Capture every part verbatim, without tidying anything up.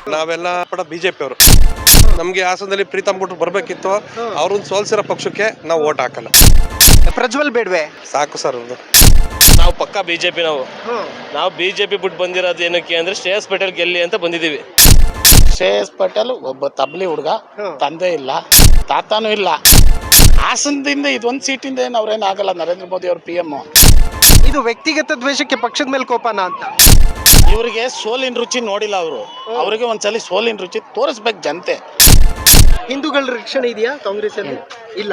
ನಾವೆಲ್ಲ ಕೂಡ ಬಿಜೆಪಿ ಅವರು. ನಮ್ಗೆ ಹಾಸನದಲ್ಲಿ ಪ್ರೀತಮ್ ಗೌಡ್ರು ಬರ್ಬೇಕಿತ್ತು. ಅವ್ರನ್ನ ಸೋಲ್ಸಿರೋ ಪಕ್ಷಕ್ಕೆ ನಾವು ಓಟ್ ಹಾಕಲ್ಲ. ಪ್ರಜ್ವಲ್ ಬೇಡ್ವೆ ಸಾಕು ಸರ್ ಅವ್ರದ್ದು. ನಾವು ಪಕ್ಕ ಬಿಜೆಪಿ. ನಾವು ನಾವು ಬಿಜೆಪಿ ಬಿಟ್ಟು ಬಂದಿರೋದು ಏನಕ್ಕೆ ಅಂದ್ರೆ ಶ್ರೇಯಸ್ ಪಟೇಲ್ ಗೆಲ್ಲಿ ಅಂತ ಬಂದಿದ್ದೀವಿ. ಶ್ರೇಯಸ್ ಪಟೇಲ್ ಒಬ್ಬ ತಬ್ಲಿ ಹುಡುಗ, ತಂದೆ ಇಲ್ಲ, ತಾತನೂ ಇಲ್ಲ. ಹಾಸನದಿಂದ ಇದೊಂದು ಸೀಟಿಂದ ಏನು ಅವ್ರೇನು ಆಗಲ್ಲ. ನರೇಂದ್ರ ಮೋದಿ ಅವ್ರ ಪಿ ಎಂ. ಇದು ವ್ಯಕ್ತಿಗತ ದ್ವೇಷಕ್ಕೆ ಪಕ್ಷದ ಮೇಲೆ ಕೋಪನ ಅಂತ. ಇವರಿಗೆ ಸೋಲಿನ ರುಚಿ ನೋಡಿಲ್ಲ ಅವರು. ಅವರಿಗೆ ಒಂದ್ಸಲಿ ಸೋಲಿನ ರುಚಿ ತೋರಿಸ್ಬೇಕು ಜನತೆ. ಹಿಂದೂಗಳ ರಕ್ಷಣೆ ಇದೆಯಾ ಕಾಂಗ್ರೆಸ್ ಅಲ್ಲಿ? ಇಲ್ಲ.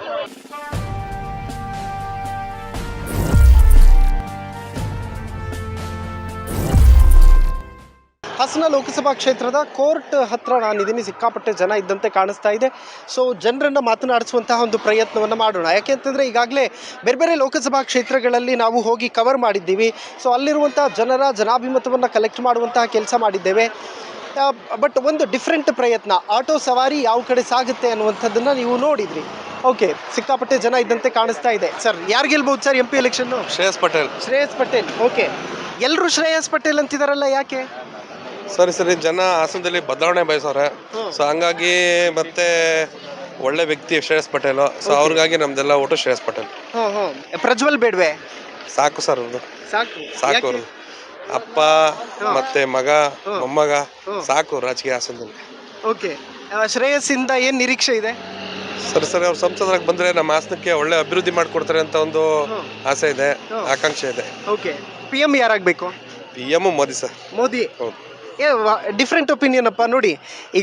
ಹಾಸನ ಲೋಕಸಭಾ ಕ್ಷೇತ್ರದ ಕೋರ್ಟ್ ಹತ್ರ ನಾನಿದ್ದೀನಿ. ಸಿಕ್ಕಾಪಟ್ಟೆ ಜನ ಇದ್ದಂತೆ ಕಾಣಿಸ್ತಾ ಇದೆ. ಸೊ ಜನರನ್ನು ಮಾತನಾಡಿಸುವಂತಹ ಒಂದು ಪ್ರಯತ್ನವನ್ನು ಮಾಡೋಣ. ಯಾಕೆಂತಂದರೆ ಈಗಾಗಲೇ ಬೇರೆ ಬೇರೆ ಲೋಕಸಭಾ ಕ್ಷೇತ್ರಗಳಲ್ಲಿ ನಾವು ಹೋಗಿ ಕವರ್ ಮಾಡಿದ್ದೀವಿ. ಸೊ ಅಲ್ಲಿರುವಂಥ ಜನರ ಜನಾಭಿಮತವನ್ನು ಕಲೆಕ್ಟ್ ಮಾಡುವಂತಹ ಕೆಲಸ ಮಾಡಿದ್ದೇವೆ. ಬಟ್ ಒಂದು ಡಿಫ್ರೆಂಟ್ ಪ್ರಯತ್ನ, ಆಟೋ ಸವಾರಿ ಯಾವ ಕಡೆ ಸಾಗುತ್ತೆ ಅನ್ನುವಂಥದ್ದನ್ನು ನೀವು ನೋಡಿದ್ರಿ. ಓಕೆ, ಸಿಕ್ಕಾಪಟ್ಟೆ ಜನ ಇದ್ದಂತೆ ಕಾಣಿಸ್ತಾ ಇದೆ. ಸರ್, ಯಾರು ಗೆಲ್ಬಹುದು sir M P election? Shreyas Patel. Shreyas Patel. Okay, ಎಲ್ಲರೂ ಶ್ರೇಯಸ್ ಪಟೇಲ್ ಅಂತಿದಾರಲ್ಲ, ಯಾಕೆ? ಸರಿ ಸರಿ ಜನ ಹಾಸನದಲ್ಲಿ ಬದಲಾವಣೆ ಬಯಸವ್ರೆ. ಸೊ ಹಂಗಾಗಿ ಮತ್ತೆ ಒಳ್ಳೆ ವ್ಯಕ್ತಿ ಶ್ರೇಯಸ್ ಪಟೇಲ್. ಸೊ ಅವ್ರಿಗಾಗಿ ನಮ್ದೆಲ್ಲ ಓಟು ಶ್ರೇಯಸ್ ಪಟೇಲ್. ಪ್ರಜ್ವಲ್ ಬೇಡ್ವೆ ಸಾಕು ಸರ್ ಅವ್ರದ್ದು. ಸಾಕು ಸಾಕು ಅವ್ರದ್ದು. ಅಪ್ಪ ಮತ್ತೆ ಮಗ ಮೊಮ್ಮಗ ಸಾಕು ರಾಜಕೀಯ ಹಾಸನದಲ್ಲಿ. ಓಕೆ, ಶ್ರೇಯಸ್ಸಿಂದ ಏನ್ ನಿರೀಕ್ಷೆ ಇದೆ? ಸರಿ ಸರಿ ಅವ್ರು ಸಂಸದರಾಗಿ ಬಂದ್ರೆ ನಮ್ಮ ಹಾಸನಕ್ಕೆ ಒಳ್ಳೆ ಅಭಿವೃದ್ಧಿ ಮಾಡ್ಕೊಡ್ತಾರೆ ಅಂತ ಒಂದು ಆಸೆ ಇದೆ, ಆಕಾಂಕ್ಷೆ ಇದೆ. ಓಕೆ, ಪಿ ಎಂ ಯಾರಾಗಬೇಕು? P M Modi sir. Modi. ಹೌದು. ಡಿಫ್ರೆಂಟ್ ಒಪಿನಿಯನ್ ಅಪ್ಪ. ನೋಡಿ, ಈಗ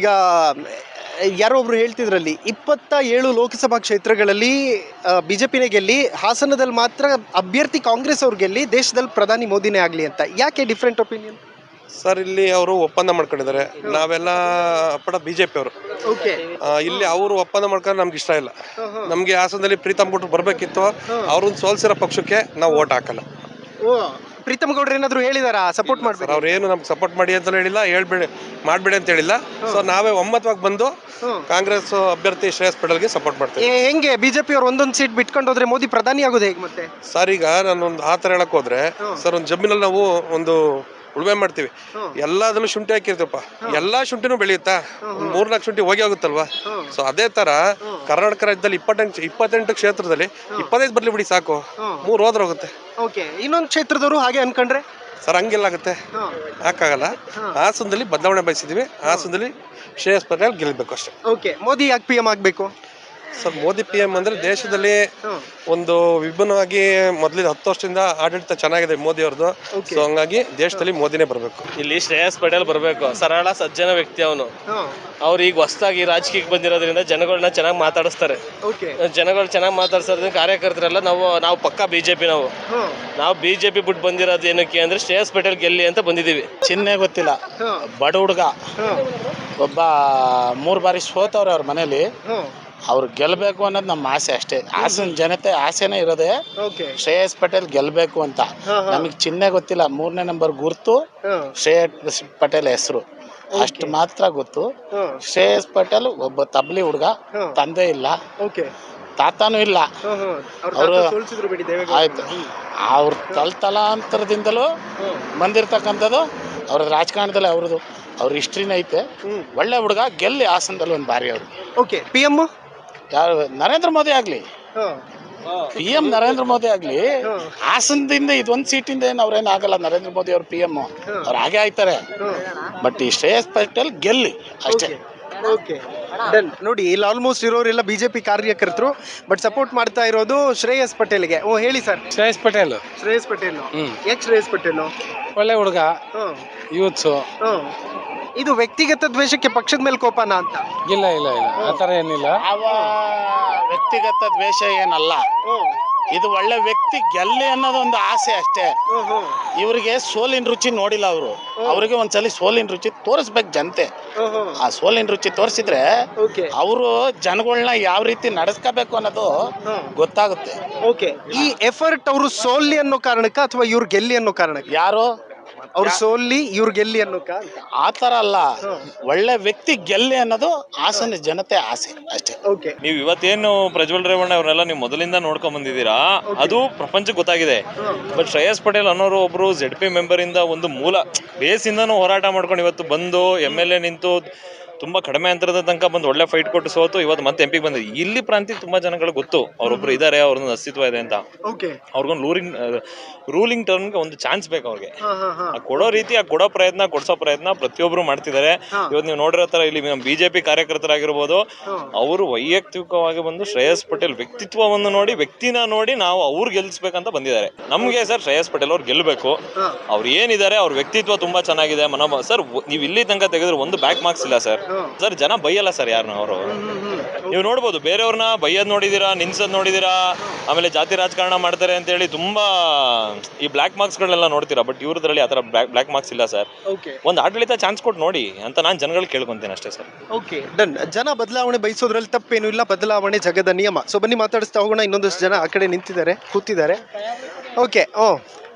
ಯಾರೋ ಒಬ್ರು ಹೇಳ್ತಿದ್ರಲ್ಲಿ ಇಪ್ಪತ್ತ ಏಳು ಲೋಕಸಭಾ ಕ್ಷೇತ್ರಗಳಲ್ಲಿ ಬಿಜೆಪಿನೇ ಗೆಲ್ಲಿ, ಹಾಸನದಲ್ಲಿ ಮಾತ್ರ ಅಭ್ಯರ್ಥಿ ಕಾಂಗ್ರೆಸ್ ಅವ್ರು ಗೆಲ್ಲಿ, ದೇಶದಲ್ಲಿ ಪ್ರಧಾನಿ ಮೋದಿನೇ ಆಗಲಿ ಅಂತ. ಯಾಕೆ ಡಿಫ್ರೆಂಟ್ ಒಪಿನಿಯನ್? ಸರ್, ಇಲ್ಲಿ ಅವರು ಒಪ್ಪಂದ ಮಾಡ್ಕೊಂಡಿದ್ದಾರೆ. ನಾವೆಲ್ಲ ಪಡ ಬಿಜೆಪಿ ಅವರು. ಓಕೆ, ಇಲ್ಲಿ ಅವರು ಒಪ್ಪಂದ ಮಾಡ್ಕೊಂಡ್ರೆ ನಮ್ಗೆ ಇಷ್ಟ ಇಲ್ಲ. ನಮ್ಗೆ ಹಾಸನದಲ್ಲಿ ಪ್ರೀತಮ್ ಗೌಡ್ರು ಬರ್ಬೇಕಿತ್ತು. ಅವ್ರನ್ನ ಸೋಲ್ಸಿರೋ ಪಕ್ಷಕ್ಕೆ ನಾವು ಓಟ್ ಹಾಕಲ್ಲ. ಓ, ಪ್ರೀತಮ್ ಗೌಡ್ರು ಏನಾದ್ರು ಹೇಳಿದಾರಾ ಸಪೋರ್ಟ್ ಮಾಡ್ತಾರೆ? ಅವ್ರು ಏನು ನಮ್ಗೆ ಸಪೋರ್ಟ್ ಮಾಡಿ ಅಂತ ಹೇಳಿಲ್ಲ, ಹೇಳ್ಬೇಡಿ ಮಾಡ್ಬೇಡಿ ಅಂತ ಹೇಳಿಲ್ಲ. ಸೊ ನಾವೇ ಒಮ್ಮತವಾಗಿ ಬಂದು ಕಾಂಗ್ರೆಸ್ ಅಭ್ಯರ್ಥಿ ಶ್ರೇಯಸ್ ಪಟೇಲ್ಗೆ ಸಪೋರ್ಟ್ ಮಾಡ್ತೀವಿ. ಹೆಂಗೆ ಬಿಜೆಪಿ ಅವ್ರು ಒಂದೊಂದು ಸೀಟ್ ಬಿಟ್ಕೊಂಡು ಹೋದ್ರೆ ಮೋದಿ ಪ್ರಧಾನಿ ಆಗೋದು ಹೇಗೆ ಮತ್ತೆ? ಸರ್, ಈಗ ನಾನೊಂದು ಆ ಥರ ಹೇಳಕ್ ಹೋದ್ರೆ ಸರ್, ಒಂದು ಜಮೀನಲ್ಲಿ ನಾವು ಒಂದು ಉಳುಮೆ ಮಾಡ್ತೀವಿ. ಎಲ್ಲದಲ್ಲೂ ಶುಂಠಿ ಹಾಕಿರ್ತೀವಪ್ಪ, ಎಲ್ಲಾ ಶುಂಠಿನೂ ಬೆಳೆಯುತ್ತಾ? ಒಂದ್ ಮೂರ್ನಾಲ್ಕು ಶುಂಠಿ ಹೋಗಿ ಆಗುತ್ತಲ್ವಾ? ಸೊ ಅದೇ ತರ ಕರ್ನಾಟಕ ರಾಜ್ಯದಲ್ಲಿ ಇಪ್ಪತ್ತೆಂಟು ಇಪ್ಪತ್ತೆಂಟು ಕ್ಷೇತ್ರದಲ್ಲಿ ಇಪ್ಪತ್ತೈದು ಬರ್ಲಿ ಬಿಡಿ ಸಾಕು, ಮೂರ್ ಹೋದ್ರೆ ಹೋಗುತ್ತೆ. ಓಕೆ, ಇನ್ನೊಂದು ಕ್ಷೇತ್ರದವರು ಹಾಗೆ ಅನ್ಕೊಂಡ್ರೆ ಸರ್ ಹಂಗೆಲ್ಲ ಆಗುತ್ತೆ, ಹಾಕಾಗಲ್ಲ. ಹಾಸನದಲ್ಲಿ ಬದಲಾವಣೆ ಬಯಸಿದೀವಿ. ಹಾಸನದಲ್ಲಿ ಶ್ರೇಯಸ್ ಪಟೇಲ್ ಗೆಲ್ಬೇಕು ಅಷ್ಟೇ. ಓಕೆ, ಮೋದಿ ಯಾಕೆ ಪಿ ಎಂ ಆಗ್ಬೇಕು? ಸರ್, ಮೋದಿ ಪಿ ಎಂ ಅಂದ್ರೆ ದೇಶದಲ್ಲಿ ಒಂದು ವಿಭಿನ್ನವಾಗಿ ಮೊದಲಿನ ಹತ್ತು ವರ್ಷದಿಂದ ಆಡಳಿತ ಚೆನ್ನಾಗಿದೆ ಮೋದಿ ಅವ್ರದ್ದು. ಸೊ ಹಂಗಾಗಿ ದೇಶದಲ್ಲಿ ಮೋದಿನೇ ಬರಬೇಕು. ಇಲ್ಲಿ ಶ್ರೇಯಸ್ ಪಟೇಲ್ ಬರಬೇಕು. ಸರಳ ಸಜ್ಜನ ವ್ಯಕ್ತಿ ಅವನು. ಅವ್ರು ಈಗ ಹೊಸದಾಗಿ ರಾಜಕೀಯಕ್ಕೆ ಬಂದಿರೋದ್ರಿಂದ ಜನಗಳನ್ನ ಚೆನ್ನಾಗಿ ಮಾತಾಡಿಸ್ತಾರೆ. ಜನಗಳು ಚೆನ್ನಾಗಿ ಮಾತಾಡ್ಸೋದ್ರಿಂದ ಕಾರ್ಯಕರ್ತರೆಲ್ಲ ನಾವು ನಾವು ಪಕ್ಕ ಬಿಜೆಪಿ. ನಾವು ನಾವು ಬಿಜೆಪಿ ಬಿಟ್ಟು ಬಂದಿರೋದು ಏನಕ್ಕೆ ಅಂದ್ರೆ ಶ್ರೇಯಸ್ ಪಟೇಲ್ ಗೆಲ್ಲಿ ಅಂತ ಬಂದಿದ್ದೀವಿ. ಚಿಹ್ನೆ ಗೊತ್ತಿಲ್ಲ, ಬಡ ಹುಡುಗ ಒಬ್ಬ, ಮೂರು ಬಾರಿ ಸೋತವ್ರೆ ಅವ್ರ ಮನೇಲಿ. ಅವ್ರು ಗೆಲ್ಬೇಕು ಅನ್ನೋದು ನಮ್ಮ ಆಸೆ ಅಷ್ಟೇ. ಹಾಸನ ಜನತೆ ಆಸೆನೇ ಇರೋದೇ ಶ್ರೇಯಸ್ ಪಟೇಲ್ ಗೆಲ್ಬೇಕು ಅಂತ. ನಮಗೆ ಚಿಹ್ನೆ ಗೊತ್ತಿಲ್ಲ, ಮೂರನೇ ನಂಬರ್ ಗುರ್ತು ಶ್ರೇಯಸ್ ಪಟೇಲ್ ಹೆಸರು ಅಷ್ಟು ಮಾತ್ರ ಗೊತ್ತು. ಶ್ರೇಯಸ್ ಪಟೇಲ್ ಒಬ್ಬ ತಬ್ಲಿ ಹುಡುಗ, ತಂದೆ ಇಲ್ಲ, ತಾತನೂ ಇಲ್ಲ. ಅವರು ಆಯ್ತು, ಅವ್ರ ತಲತಲಾಂತರದಿಂದಲೂ ಬಂದಿರ್ತಕ್ಕಂಥದ್ದು ಅವ್ರ ರಾಜಕಾರಣದಲ್ಲಿ ಅವ್ರದ್ದು ಅವ್ರ ಹಿಸ್ಟ್ರಿನ ಐತೆ. ಒಳ್ಳೆ ಹುಡುಗ, ಗೆಲ್ಲಿ ಹಾಸನದಲ್ಲಿ ಒಂದು ಬಾರಿ ಅವರು. ಓಕೆ, ಪಿ ಎಂ ಯಾರು? ನರೇಂದ್ರ ಮೋದಿ ಆಗ್ಲಿ, ಪಿ ಎಂ ನರೇಂದ್ರ ಮೋದಿ ಆಗ್ಲಿ. ಹಾಸನದಿಂದ ಇದೊಂದು ಸೀಟಿಂದ ಏನು ಅವ್ರೇನು ಆಗಲ್ಲ. ನರೇಂದ್ರ ಮೋದಿ ಅವ್ರ ಪಿ ಎಂ ಅವ್ರು ಹಾಗೆ ಆಯ್ತಾರೆ. ಬಟ್ ಈ ಶ್ರೇಯಸ್ ಪಟೇಲ್ ಗೆಲ್ಲಿ ಅಷ್ಟೇ. Okay, done. ನೋಡಿ, ಇಲ್ಲಿ ಆಲ್ಮೋಸ್ಟ್ ಇರೋರೆಲ್ಲ ಬಿಜೆಪಿ ಕಾರ್ಯಕರ್ತರು, ಬಟ್ ಸಪೋರ್ಟ್ ಮಾಡ್ತಾ ಇರೋದು ಶ್ರೇಯಸ್ ಪಟೇಲ್ಗೆ. ಓ, ಹೇಳಿ ಸರ್. ಶ್ರೇಯಸ್ ಪಟೇಲ್. ಶ್ರೇಯಸ್ ಪಟೇಲ್ ಯಾಕೆ ಶ್ರೇಯಸ್ ಪಟೇಲ್? ಒಳ್ಳೆ ಹುಡುಗ, ಯೂತ್ಸು. ಇದು ವ್ಯಕ್ತಿಗತ ದ್ವೇಷಕ್ಕೆ ಪಕ್ಷದ ಮೇಲೆ ಕೋಪನ ಅಂತ? ಇಲ್ಲ ಇಲ್ಲ ಇಲ್ಲ, ಆ ಥರ ಏನಿಲ್ಲ. ಅವ ವ್ಯಕ್ತಿಗತ ದ್ವೇಷ ಏನಲ್ಲ. ಇದು ಒಳ್ಳೆ ವ್ಯಕ್ತಿ ಗೆಲ್ಲಿ ಅನ್ನೋದೊಂದು ಆಸೆ ಅಷ್ಟೇ. ಇವರಿಗೆ ಸೋಲಿನ ರುಚಿ ನೋಡಿಲ್ಲ ಅವರು. ಅವರಿಗೆ ಒಂದ್ಸಲಿ ಸೋಲಿನ ರುಚಿ ತೋರಿಸ್ಬೇಕು ಜನತೆ. ಆ ಸೋಲಿನ ರುಚಿ ತೋರಿಸಿದ್ರೆ ಅವರು ಜನಗಳನ್ನ ಯಾವ ರೀತಿ ನಡೆಸ್ಕೋಬೇಕು ಅನ್ನೋದು ಗೊತ್ತಾಗುತ್ತೆ. ಓಕೆ, ಈ ಎಫರ್ಟ್ ಅವರು ಸೋಲಿ ಅನ್ನೋ ಕಾರಣಕ್ಕ ಅಥವಾ ಇವ್ರು ಗೆಲ್ಲಿ ಅನ್ನೋ ಕಾರಣಕ್ಕೆ? ಯಾರು ಅವ್ರು ಸೋಲ್ಲಿ ಇವ್ರು ಗೆಲ್ಲಿ ಅನ್ನೋಕ ಅಂತ. ಆ ಥರ ಅಲ್ಲ, ಒಳ್ಳೆ ವ್ಯಕ್ತಿ ಗೆಲ್ಲಿ ಅನ್ನೋದು ಹಾಸನ ಜನತೆ ಆಸೆ ಅಷ್ಟೇ. ಓಕೆ, ನೀವು ಇವತ್ತೇನು ಪ್ರಜ್ವಲ್ ರೇವಣ್ಣ ಅವ್ರನ್ನೆಲ್ಲ ನೀವು ಮೊದಲಿಂದ ನೋಡ್ಕೊಂಡ್ ಬಂದಿದ್ದೀರಾ, ಅದು ಪ್ರಪಂಚಕ್ಕೆ ಗೊತ್ತಾಗಿದೆ. ಬಟ್ ಶ್ರೇಯಸ್ ಪಟೇಲ್ ಅನ್ನೋರು ಒಬ್ರು ಜೆಡ್ ಪಿ ಮೆಂಬರ್ ಇಂದ ಒಂದು ಮೂಲ ಬೇಸಿಂದನೂ ಹೋರಾಟ ಮಾಡ್ಕೊಂಡು ಇವತ್ತು ಬಂದು ಎಮ್ ಎಲ್ ಎ ನಿಂತು ತುಂಬಾ ಕಡಿಮೆ ಅಂತರದ ತನಕ ಬಂದು ಒಳ್ಳೆ ಫೈಟ್ ಕೊಟ್ಟು ಸೋತು ಇವತ್ತು ಮತ್ತೆ ಎಂ ಪಿಗೆ ಬಂದಿದೆ. ಇಲ್ಲಿ ಪ್ರಾಂತಿ ತುಂಬಾ ಜನಗಳು ಗೊತ್ತು ಅವ್ರೊಬ್ರು ಇದಾರೆ, ಅವ್ರದ್ದು ಅಸ್ತಿತ್ವ ಇದೆ ಅಂತ. ಅವ್ರಿಗೊಂದು ರೂಲಿಂಗ್ ರೂಲಿಂಗ್ ಟರ್ಮ್ಗೆ ಒಂದು ಚಾನ್ಸ್ ಬೇಕು ಅವ್ರಿಗೆ. ಆ ಕೊಡೋ ರೀತಿ, ಆ ಕೊಡೋ ಪ್ರಯತ್ನ, ಕೊಡ್ಸೋ ಪ್ರಯತ್ನ ಪ್ರತಿಯೊಬ್ರು ಮಾಡ್ತಿದ್ದಾರೆ. ಇವತ್ತು ನೀವು ನೋಡಿರೋ ತರ ಇಲ್ಲಿ ಬಿಜೆಪಿ ಕಾರ್ಯಕರ್ತರಾಗಿರ್ಬೋದು, ಅವರು ವೈಯಕ್ತಿಕವಾಗಿ ಬಂದು ಶ್ರೇಯಸ್ ಪಟೇಲ್ ವ್ಯಕ್ತಿತ್ವವನ್ನು ನೋಡಿ, ವ್ಯಕ್ತಿನ ನೋಡಿ ನಾವು ಅವ್ರು ಗೆಲ್ಸ್ಬೇಕಂತ ಬಂದಿದ್ದಾರೆ. ನಮ್ಗೆ ಸರ್ ಶ್ರೇಯಸ್ ಪಟೇಲ್ ಅವ್ರು ಗೆಲ್ಬೇಕು. ಅವ್ರು ಏನಿದ್ದಾರೆ, ಅವ್ರ ವ್ಯಕ್ತಿತ್ವ ತುಂಬಾ ಚೆನ್ನಾಗಿದೆ. ಮನೋಭಾವ ಸರ್, ನೀವು ಇಲ್ಲಿ ತನಕ ತೆಗೆದ್ರೆ ಒಂದು ಬ್ಯಾಕ್ ಮಾರ್ಕ್ಸ್ ಇಲ್ಲ ಸರ್. ಸರ್ ಜನ ಬೈಯಲ್ಲ ಸರ್ ಯಾರನ್ನ. ಅವರು ನೀವು ನೋಡ್ಬೋದು, ಬೇರೆಯವ್ರನ್ನ ಬೈಯೋದ್ ನೋಡಿದೀರಾ, ನಿನ್ಸೋದ್ ನೋಡಿದೀರಾ, ಆಮೇಲೆ ಜಾತಿ ರಾಜಕಾರಣ ಮಾಡ್ತಾರೆ ಅಂತ ಹೇಳಿ ತುಂಬಾ ಈ ಬ್ಲಾಕ್ ಮಾರ್ಕ್ಸ್ ಗಳನ್ನೆಲ್ಲ ನೋಡ್ತೀರಾ. ಬಟ್ ಇವ್ರದ್ರಲ್ಲಿ ಆತರ ಬ್ಲಾಕ್ ಮಾರ್ಕ್ಸ್ ಇಲ್ಲ ಸರ್. ಒಂದು ಆಡಳಿತ ಚಾನ್ಸ್ ಕೊಟ್ಟು ನೋಡಿ ಅಂತ ನಾನು ಜನಗಳು ಕೇಳ್ಕೊಂತೀನಿ ಅಷ್ಟೇ ಸರ್. Okay, done. ಜನ ಬದಲಾವಣೆ ಬಯಸೋದ್ರಲ್ಲಿ ತಪ್ಪೇನು ಇಲ್ಲ, ಬದಲಾವಣೆ ಜಗದ ನಿಯಮ. ಸೊ ಬನ್ನಿ ಮಾತಾಡಿಸ್ತಾ ಹೋಗೋಣ. ಇನ್ನೊಂದಷ್ಟು ಜನ ಆ ಕಡೆ ನಿಂತಿದ್ದಾರೆ, ಕೂತಿದ್ದಾರೆ. ಓಕೆ, ಓ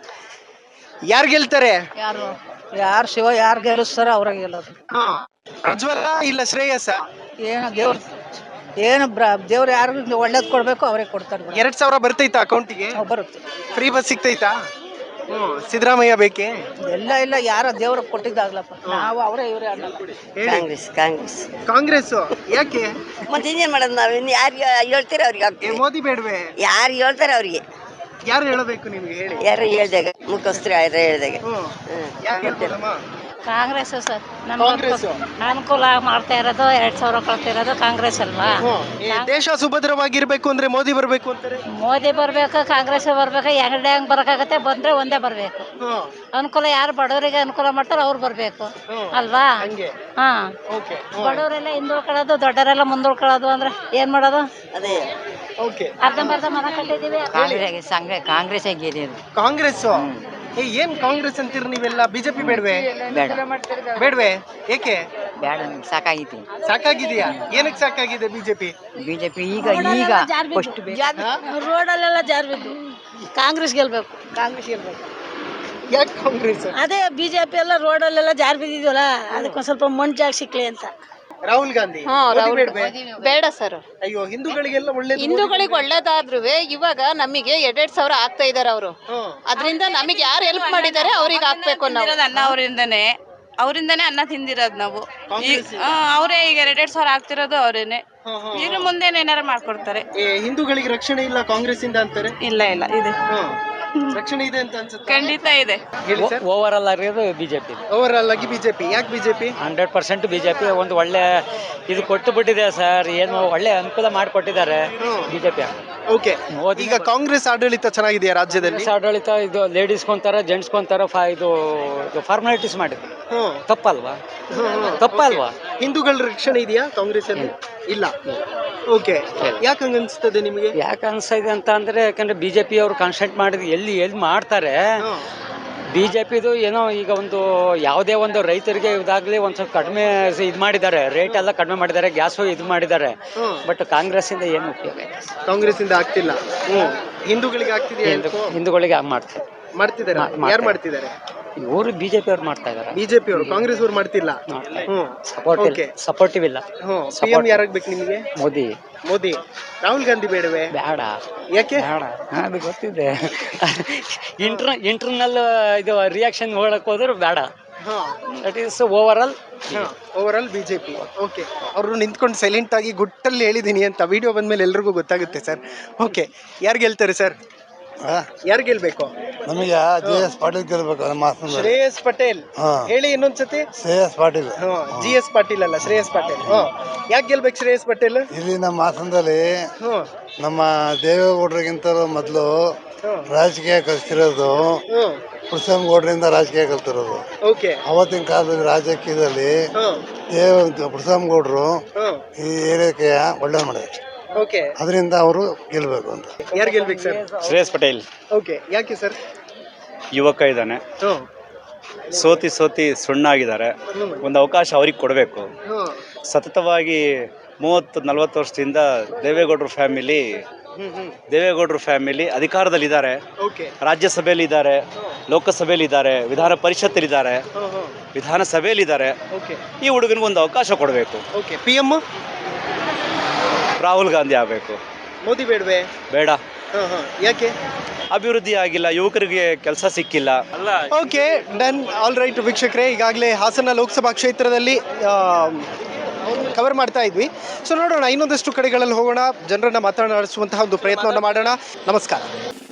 ಯಾರು ಗೆಲ್ತಾರೆ? ಯಾರು ಯಾರು ಶಿವ ಯಾರು ಗೆಲ್ಲಿಸ್ತಾರ ಅವ್ರ ಗೆಲ್ಲೋದು. ಪ್ರಜ್ವಲ ಇಲ್ಲ ಶ್ರೇಯಸ್? ಏನು ದೇವ್ರ ಏನು ದೇವ್ರು ಯಾರು ಒಳ್ಳೇದ್ ಕೊಡ್ಬೇಕು ಅವರೇ ಕೊಡ್ತಾರೆ. ಎರಡ್ ಸಾವಿರ ಬರ್ತೈತಾ ಅಕೌಂಟಿಗೆ? ಬರುತ್ತೆ. ಫ್ರೀ ಬಸ್ ಸಿಗ್ತೈತಾ? ಹ್ಮ್, ಸಿದ್ದರಾಮಯ್ಯ ಬೇಕೆ? ಎಲ್ಲ ಇಲ್ಲ, ಯಾರ ದೇವ್ರಿಗೆ ಕೊಟ್ಟಿದ್ದಾಗ್ಲಪ್ಪ. ನಾವು ಅವರೇ ಇವರೇ ಅನ್ನಲ್ಲ. ಕಾಂಗ್ರೆಸ್ ಕಾಂಗ್ರೆಸ್ ಕಾಂಗ್ರೆಸ್ ಯಾಕೆ? ಮತ್ತೆ ಇನ್ನೇನ್ ಮಾಡೋದು ನಾವು? ಇನ್ನು ಯಾರಿಗೆ ಹೇಳ್ತೀರ ಅವ್ರಿಗೆ ಏ, ಮೋದಿ ಬೇಡವೆ? ಯಾರು ಹೇಳ್ತಾರೆ ಅವ್ರಿಗೆ? ಯಾರು ಹೇಳಬೇಕು ನಿಮ್ಗೆ ಹೇಳಿ? ಯಾರು ಹೇಳ್ದಾಗ ಮುಖಸ್ಥರು ಯಾರು ಹೇಳ್ದಾಗ ಯಾಕೆ ಹೇಳ್ತೀರಮ್ಮ? ಕಾಂಗ್ರೆಸ್ ಸರ್. ಕಾಂಗ್ರೆಸ್ ಅನುಕೂಲ ಮಾಡ್ತಾ ಇರೋದು, ಎರಡ್ ಸಾವಿರ ಕೊಡ್ತಿರೋದು ಕಾಂಗ್ರೆಸ್ ಅಲ್ವಾ. ದೇಶ ಸುಭದ್ರವಾಗಿರ್ಬೇಕು ಅಂದ್ರೆ ಮೋದಿ ಬರ್ಬೇಕು ಅಂತಾರೆ. ಮೋದಿ ಬರ್ಬೇಕು, ಕಾಂಗ್ರೆಸ್ ಬರ್ಬೇಕು. ಎರಡೇ ಹೆಂಗ್ ಬರಕಾಗತ್ತೆ? ಬಂದ್ರೆ ಒಂದೇ ಬರ್ಬೇಕು. ಅನುಕೂಲ ಯಾರು ಬಡವರಿಗೆ ಅನುಕೂಲ ಮಾಡ್ತಾರೋ ಅವ್ರು ಬರ್ಬೇಕು ಅಲ್ವಾ. ಹಾ, ಬಡವರೆಲ್ಲ ಹಿಂದುಳ್ಕೊಳ್ಳೋದು, ದೊಡ್ಡವರೆಲ್ಲ ಮುಂದುಳ್ಕೊಳ್ಳೋದು ಅಂದ್ರೆ ಏನ್ ಮಾಡೋದು? ಅದೇ ಅರ್ಧಂಬರ್ಧ ಮನ ಕಟ್ಟಿದೀವಿ. ಕಾಂಗ್ರೆಸ್ ಗೆಲ್ಲಿಯೋದು. ಕಾಂಗ್ರೆಸ್ ಏನ್ ಕಾಂಗ್ರೆಸ್ ಅಂತೀರ ನೀವೆಲ್ಲ? ಬಿಜೆಪಿ ಬೇಡವೆ? ಬೇಡವೆ? ಏಕೆ? ಬೇಡ, ಸಾಕಾಗೈತಿ. ಸಾಕಾಗಿದೆಯಾ? ಏನಕ್ಕೆ ಸಾಕಾಗಿದೆ ಬಿಜೆಪಿ? ಬಿಜೆಪಿ ಈಗ ಈಗ ರೋಡಲ್ಲೆಲ್ಲ ಜಾರ್ ಬಿದ್ದು ಕಾಂಗ್ರೆಸ್ ಗೆಲ್ಬೇಕು. ಕಾಂಗ್ರೆಸ್ ಗೆಲ್ಬೇಕು. ಯಾಕೆ ಕಾಂಗ್ರೆಸ್? ಅದೇ ಬಿಜೆಪಿ ಎಲ್ಲ ರೋಡಲ್ಲೆಲ್ಲ ಜಾರ್ ಬಿದ್ದಿದ್ವಲ್ಲ, ಅದಕ್ಕೊಂದ್ ಸ್ವಲ್ಪ ಮಣ್ಣು ಜಾಗ ಸಿಕ್ಲಿ ಅಂತ. ರಾಹುಲ್ ಗಾಂಧಿ ಬೇಡ ಸರ್. ಅಯ್ಯೋ, ಹಿಂದೂಗಳಿಗೆಲ್ಲ ಒಳ್ಳೆ ಹಿಂದೂಗಳಿಗೆ ಒಳ್ಳೇದಾದ್ರೂ ಇವಾಗ ನಮಗೆ ಎರಡೆರಡ್ ಸಾವಿರ ಆಗ್ತಾ ಇದಾರೆ ಅವರು. ಅದರಿಂದ ನಮಗೆ ಯಾರು ಹೆಲ್ಪ್ ಮಾಡಿದ್ದಾರೆ ಅವ್ರಿಗೆ ಹಾಕ್ಬೇಕು ನಾವು. ಅನ್ನ ಅವರಿಂದನೇ ಅವರಿಂದನೇ ಅನ್ನ ತಿಂದಿರೋದು ನಾವು. ಅವರೇ ಈಗ ಎರಡೆರಡ್ ಸಾವಿರ ಆಗ್ತಿರೋದು ಅವರೇನೆ. ಇನ್ನು ಮುಂದೆ ಏನಾರು ಮಾಡ್ಕೊಡ್ತಾರೆ. ಹಿಂದೂಗಳಿಗೆ ರಕ್ಷಣೆ ಇಲ್ಲ ಕಾಂಗ್ರೆಸ್ ಇಂದ ಅಂತಾರೆ. ಇಲ್ಲ ಇಲ್ಲ ಇದೆ, ರಕ್ಷಣೆ ಇದೆ ಅಂತ ಅನ್ಸುತ್ತೆ. ಖಂಡಿತ ಇದೆ. ಓವರ್ ಆಲ್ ಆಗಿರೋದು ಬಿಜೆಪಿ. ಓವರ್ ಆಲ್ ಆಗಿ ಬಿಜೆಪಿ. ಯಾಕೆ ಬಿಜೆಪಿ? ಹಂಡ್ರೆಡ್ ಪರ್ಸೆಂಟ್ ಬಿಜೆಪಿ ಒಂದು ಒಳ್ಳೆ ಇದು ಕೊಟ್ಟು ಬಿಟ್ಟಿದೆ ಸರ್. ಏನು ಒಳ್ಳೆ ಅನುಕೂಲ ಮಾಡಿಕೊಟ್ಟಿದ್ದಾರೆ ಬಿಜೆಪಿ. ಓಕೆ, ಈಗ ಕಾಂಗ್ರೆಸ್ ಆಡಳಿತ ಚೆನ್ನಾಗಿದೆಯಾ ರಾಜ್ಯದಲ್ಲಿ? ಆಡಳಿತ ಇದು ಲೇಡೀಸ್ ಕೊಂತಾರ, ಜೆಂಟ್ಸ್ ಕೊಂತಾರ, ಇದು ಫಾರ್ಮಾಲಿಟೀಸ್ ಮಾಡಿದ್ರು. ತಪ್ಪಲ್ವಾ? ತಪ್ಪಲ್ವಾ? ಹಿಂದೂಗಳ ರಕ್ಷಣೆ ಇದೆಯಾ ಕಾಂಗ್ರೆಸ್ ಅಲ್ಲಿ? ಇಲ್ಲ. ಓಕೆ, ಯಾಕೆ ಹಂಗ ಅನ್ಸ್ತದೆ ನಿಮಗೆ? ಯಾಕೆ ಅನ್ಸಿದೆ ಅಂತ ಅಂದ್ರೆ, ಯಾಕಂದ್ರೆ ಬಿಜೆಪಿ ಅವರು ಕಾನ್ಸಂಟ್ರೇಟ್ ಮಾಡಿದ್ ಎಲ್ಲಿ ಎಲ್ಲಿ ಮಾಡ್ತಾರೆ. ಬಿಜೆಪಿದು ಏನೋ ಈಗ ಒಂದು ಯಾವುದೇ ಒಂದು ರೈತರಿಗೆ ಇದಾಗ್ಲಿ ಒಂದ್ ಸ್ವಲ್ಪ ಕಡಿಮೆ ಇದು ಮಾಡಿದ್ದಾರೆ, ರೇಟ್ ಎಲ್ಲ ಕಡಿಮೆ ಮಾಡಿದ್ದಾರೆ, ಗ್ಯಾಸು ಇದು ಮಾಡಿದ್ದಾರೆ. ಬಟ್ ಕಾಂಗ್ರೆಸ್ ಇಂದ ಏನು ಉಪಯೋಗ? ಕಾಂಗ್ರೆಸ್ ಇಂದ ಆಗ್ತಿಲ್ಲ. ಹಿಂದೂಗಳಿಗೆ ಆಗ್ತಿದೆಯಾ? ಹಿಂದೂಗಳಿಗೆ ಮಾಡ್ತಾರೆ ಮಾಡ್ತಿದ್ದಾರೆ. ಯಾರು ಮಾಡ್ತಿದ್ದಾರೆ? ಇವರು ಬಿಜೆಪಿ ಅವ್ರು ಮಾಡ್ತಾ ಇದಾರೆ. ಬಿಜೆಪಿ ಅವರು, ಕಾಂಗ್ರೆಸ್ ಅವರು ಮಾಡ್ತಿಲ್ಲ. ಸಪೋರ್ಟಿವ್ ಇಲ್ಲ. ಸಿಎಂ ಯಾರಾಗ್ಬೇಕು ನಿಮಗೆ? ಮೋದಿ. ಮೋದಿ. ರಾಹುಲ್ ಗಾಂಧಿ ಬೇಡವೆ? ಬೇಡ. ಯಾಕೆ? ಬೇಡ, ಅದು ಗೊತ್ತಿದೆ. ಇಂಟರ್ ಇಂಟರ್ನಲ್ ಇದು ರಿಯಾಕ್ಷನ್ ನೋಡಕ್ ಹೋದ್ರೆ ಬೇಡ. That is over all over all BJP. Okay, ಅವರು ನಿಂತ್ಕೊಂಡು ಸೈಲೆಂಟ್ ಆಗಿ ಗುಟ್ಟಲ್ಲಿ ಹೇಳಿದೀನಿ ಅಂತ ವಿಡಿಯೋ ಬಂದ್ಮೇಲೆ ಎಲ್ರಿಗೂ ಗೊತ್ತಾಗುತ್ತೆ ಸರ್. ಓಕೆ, ಯಾರು ಗೆಲ್ತಾರೆ ಸರ್? ಯಾರು ಗೆಲ್ಬೇಕು? ನಮಗೆ ಜೆ ಎಸ್ ಪಾಟೀಲ್ ಗೆಲ್ಬೇಕು. ನಮ್ಮ ಶ್ರೇಯಸ್ ಪಟೇಲ್. ಹೇಳಿ ಇನ್ನೊಂದ್ಸತಿ. ಶ್ರೇಯಸ್ ಪಾಟೀಲ್. ಜಿ ಎಸ್ ಪಾಟೀಲ್ ಅಲ್ಲ, ಶ್ರೇಯಸ್ ಪಾಟೀಲ್. ಯಾಕೆ ಗೆಲ್ಬೇಕು ಶ್ರೇಯಸ್ ಪಟೇಲ್? ಇಲ್ಲಿ ನಮ್ಮ ಹಾಸನದಲ್ಲಿ ನಮ್ಮ ದೇವೇಗೌಡರಿಗಿಂತ ಮೊದಲು ರಾಜಕೀಯ ಕಲಿತಿರೋದು ಪುರುಷಂಗೌಡರಿಂದ ರಾಜಕೀಯ ಕಲ್ತಿರೋದು. ಅವತ್ತಿನ ಕಾಲದಲ್ಲಿ ರಾಜಕೀಯದಲ್ಲಿ ದೇವ ಪುರುಷಂಗೌಡರು ಈ ಏರಿಯಾಕ್ಕೆ ಒಳ್ಳೆ ಮಾಡಿದ್ರು. ಅದರಿಂದ ಅವರು ಗೆಲ್ಬೇಕು ಅಂತ. ಯಾರು ಗೆಲ್ಬೇಕು ಸರ್? ಶ್ರೇಯಸ್ ಪಟೇಲ್. ಓಕೆ, ಯಾಕೆ ಸರ್? ಯುವಕ ಇದ್ದಾನೆ, ಸೋತಿ ಸೋತಿ ಸುಣ್ಣಾಗಿದ್ದಾರೆ. ಒಂದು ಅವಕಾಶ ಅವ್ರಿಗೆ ಕೊಡಬೇಕು. ಸತತವಾಗಿ ಮೂವತ್ತು ನಲ್ವತ್ತು ವರ್ಷದಿಂದ ದೇವೇಗೌಡರ ಫ್ಯಾಮಿಲಿ ದೇವೇಗೌಡರು ಫ್ಯಾಮಿಲಿ ಅಧಿಕಾರದಲ್ಲಿದ್ದಾರೆ, ರಾಜ್ಯಸಭೆಯಲ್ಲಿ ಇದ್ದಾರೆ, ಲೋಕಸಭೆಯಲ್ಲಿ ಇದ್ದಾರೆ, ವಿಧಾನ ಪರಿಷತ್ತಲ್ಲಿ ಇದ್ದಾರೆ, ವಿಧಾನಸಭೆಯಲ್ಲಿ ಇದ್ದಾರೆ. ಈ ಹುಡುಗನಿಗೆ ಒಂದು ಅವಕಾಶ ಕೊಡಬೇಕು. ಪಿ ಎಂ ರಾಹುಲ್ ಗಾಂಧಿ ಆಗಬೇಕು. ಮೋದಿ ಬೇಡವೇ? ಬೇಡ. ಯಾಕೆ? ಅಭಿವೃದ್ಧಿ ಆಗಿಲ್ಲ, ಯುವಕರಿಗೆ ಕೆಲಸ ಸಿಕ್ಕಿಲ್ಲ. Okay done. ಆಲ್ ರೈಟ್ ವೀಕ್ಷಕರೇ, ಈಗಾಗಲೇ ಹಾಸನ ಲೋಕಸಭಾ ಕ್ಷೇತ್ರದಲ್ಲಿ ಕವರ್ ಮಾಡ್ತಾ ಇದ್ವಿ. ಸೊ ನೋಡೋಣ ಇನ್ನೊಂದಷ್ಟು ಕಡೆಗಳಲ್ಲಿ ಹೋಗೋಣ, ಜನರನ್ನ ಮಾತನಾಡಿಸುವಂತಹ ಒಂದು ಪ್ರಯತ್ನವನ್ನು ಮಾಡೋಣ. ನಮಸ್ಕಾರ.